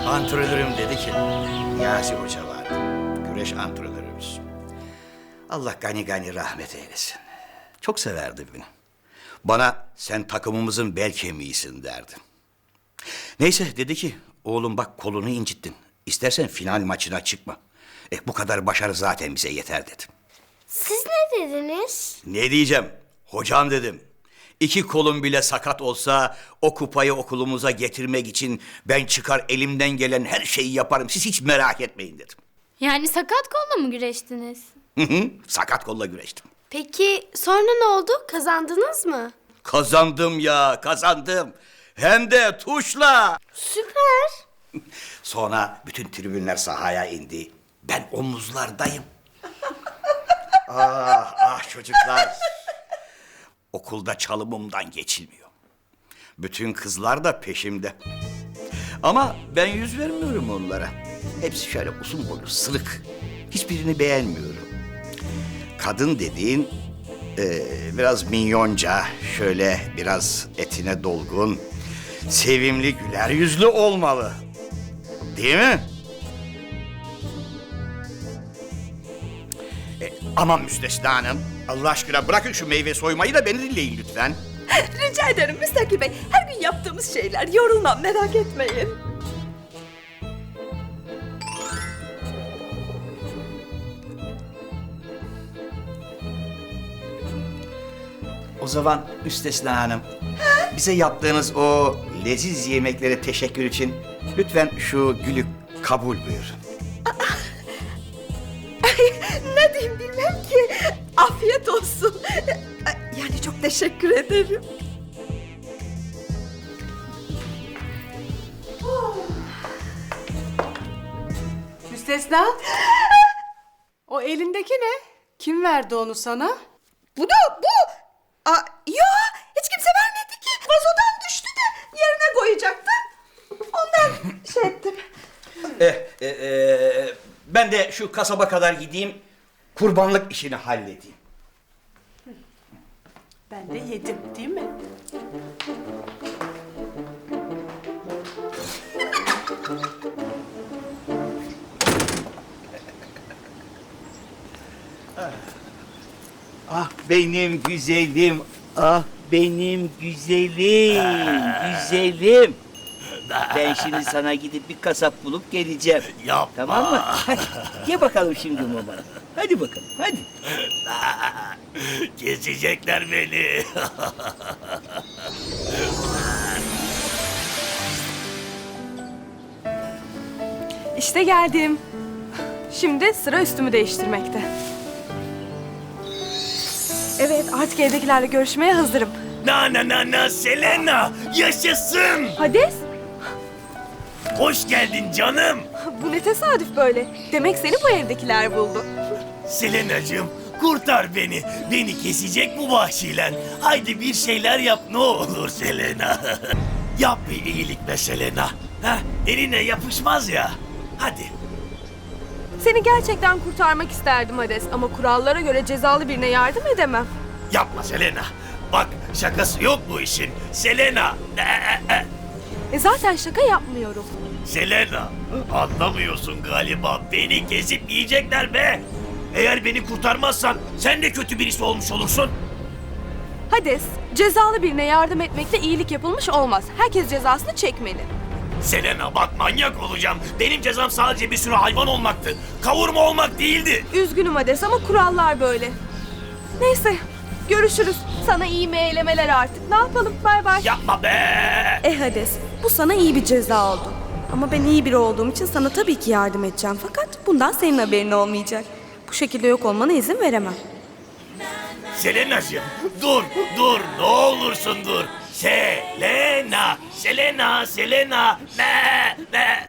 Antrenörüm dedi ki, Niyazi Hoca vardı, güreş antrenörümüz. Allah gani gani rahmet eylesin. Çok severdi beni. Bana sen takımımızın bel kemiğisin derdi. Neyse dedi ki, oğlum bak kolunu incittin. İstersen final maçına çıkma. Bu kadar başarı zaten bize yeter dedi. Siz ne dediniz? Ne diyeceğim? Hocam dedim. 2 kolum bile sakat olsa o kupayı okulumuza getirmek için ben çıkar elimden gelen her şeyi yaparım. Siz hiç merak etmeyin dedim. Yani sakat kolla mı güreştiniz? Sakat kolla güreştim. Peki sonra ne oldu? Kazandınız mı? Kazandım ya, kazandım. Hem de tuşla. Süper. Sonra bütün tribünler sahaya indi. Ben omuzlardayım. Ah çocuklar. Okulda çalımımdan geçilmiyor. Bütün kızlar da peşimde. Ama ben yüz vermiyorum onlara. Hepsi şöyle uzun boylu, sırık. Hiçbirini beğenmiyorum. Kadın dediğin biraz minyonca, şöyle biraz etine dolgun, sevimli, güler yüzlü olmalı. Değil mi? Aman Müstesna Hanım, Allah aşkına bırakın şu meyve soymayı da beni dinleyin lütfen. Rica ederim Müstakil Bey. Her gün yaptığımız şeyler. Yorulmam, merak etmeyin. O zaman Müstesna Hanım, bize yaptığınız o leziz yemeklere teşekkür için lütfen şu gülü kabul buyurun. Ne diyeyim bilmem ki. Afiyet olsun. Yani çok teşekkür ederim. Müstesna. O elindeki ne? Kim verdi onu sana? Bu. Yo, hiç kimse vermedi ki. Vazodan düştü de yerine koyacaktı. Ondan şey ettim. Ben de şu kasaba kadar gideyim, kurbanlık işini halledeyim. Ben de yedim, değil mi? Ah benim güzelim, ah benim güzelim, güzelim. Ben şimdi sana gidip bir kasap bulup geleceğim. Yapma. Tamam mı? Hadi ye bakalım şimdi mama. Hadi bakalım, hadi. Kesecekler beni. İşte geldim. Şimdi sıra üstümü değiştirmekte. Evet, artık evdekilerle görüşmeye hazırım. Na Selena, yaşasın. Hades, Hoş geldin canım. bu ne tesadüf böyle. Demek seni bu evdekiler buldu. Selenacığım, kurtar beni. Beni kesecek bu vahşiler. Haydi bir şeyler yap ne olur Selena. Yap bir iyilik be Selena. Ha, eline yapışmaz ya. Hadi. Seni gerçekten kurtarmak isterdim Hades ama kurallara göre cezalı birine yardım edemem. Yapma Selena. Bak şakası yok bu işin. Selena. Zaten şaka yapmıyorum. Selena, anlamıyorsun galiba. Beni kesip yiyecekler be. Eğer beni kurtarmazsan sen de kötü birisi olmuş olursun. Hades, cezalı birine yardım etmekle iyilik yapılmış olmaz. Herkes cezasını çekmeli. Selena bak manyak olacağım. Benim cezam sadece bir sürü hayvan olmaktı. Kavurma olmak değildi. Üzgünüm Hades ama kurallar böyle. Neyse, görüşürüz. Sana iyi meylemeler artık. Ne yapalım? Bay bay. Yapma be. Hades, bu sana iyi bir ceza oldu. Ama ben iyi biri olduğum için sana tabii ki yardım edeceğim. Fakat bundan senin haberin olmayacak. Bu şekilde yok olmana izin veremem. Selena'cığım dur ne olursun dur. Selena. Ne.